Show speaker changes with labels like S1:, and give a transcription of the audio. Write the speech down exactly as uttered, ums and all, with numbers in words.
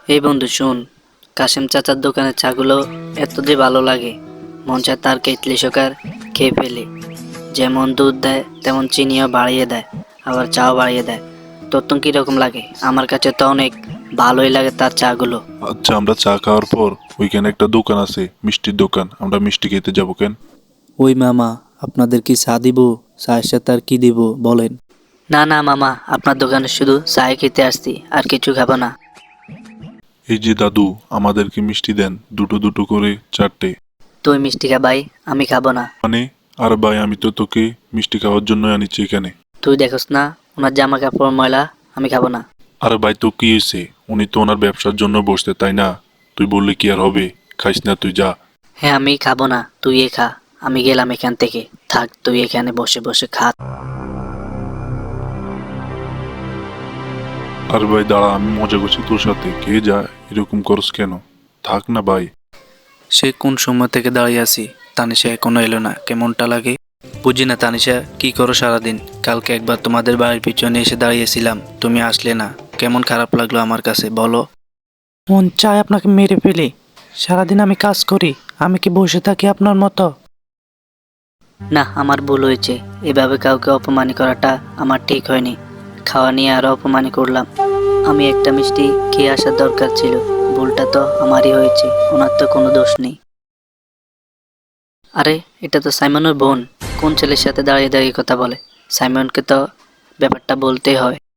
S1: এই বন্ধু শুন, কাশেম চাচার দোকানের চাগুলো এত যে ভালো লাগে, মন চায় তার কেটলি সকার খেয়ে ফেলি। যেমন দুধ দেয় তেমন চিনিও বাড়িয়ে দেয়, আবার চাও বাড়িয়ে দেয়। তোর তো কিরকম লাগে? আমার কাছে তো অনেক ভালোই লাগে তার চাগুলো।
S2: আচ্ছা, আমরা চা খাওয়ার পর ওইখানে একটা দোকান আছে, মিষ্টির দোকান। আমরা মিষ্টি খেতে যাবো কেন?
S3: ওই মামা, আপনাদের কি চা দিব? চায়ের সাথে আর কি দিব বলেন?
S1: না না মামা, আপনার দোকানে শুধু চায় খেতে আসছি, আর কিছু খাবো না।
S2: এই যে দাদু, আমাদেরকে মিষ্টি দেন, দুটো দুটো করে চারটে।
S1: তুই মিষ্টি খা ভাই, আমি খাবো না।
S2: মানে? আর ভাই, আমি তো তোকে মিষ্টি খাওয়ার জন্য আনিছি এখানে।
S1: তুই দেখোস না ওনার জামা কাপড় ময়লা, আমি খাবো না।
S2: আর ভাই, তো কি হয়েছে? উনি তো ওনার ব্যবসার জন্য বসতে, তাই না? তুই বললে কি আর হবে? খাইস না, তুই যা।
S1: হ্যাঁ আমি খাবো না, তুই এ খা। আমি গেলাম এখান থেকে। থাক, তুই এখানে বসে বসে খা।
S2: আর ভাই দাঁড়া, আমি মজা করছি তোর সাথে, খেয়ে যা। এরকম করস কেন? থাক না ভাই।
S3: সে কোন সময় থেকে দাঁড়িয়ে আছি, তানিশা এখনো এলো না, কেমনটা লাগে। বুঝি না তানিশা, কি করো সারাদিন? কালকে একবার তোমাদের বাড়ির পিছনে এসে দাঁড়িয়েছিলাম, তুমি আসলে না, কেমন খারাপ লাগলো আমার কাছে বলো। মন চায় আপনাকে মেরে ফেলি। সারাদিন আমি কাজ করি, আমি কি বসে থাকি আপনার মতো?
S1: না, আমার ভুল হয়েছে। এভাবে কাউকে অপমান করাটা আমার ঠিক হয়নি। খাওয়া নিয়ে আরো অপমান করলাম। আমি একটা মিষ্টি খেয়ে আসার দরকার ছিল। ভুলটা তো আমারই হয়েছে, ওনার তো কোনো দোষ নেই। আরে, এটা তো সাইমনের বোন। কোন ছেলের সাথে দাঁড়িয়ে দাঁড়িয়ে কথা বলে? সাইমনকে তো ব্যাপারটা বলতেই হয়।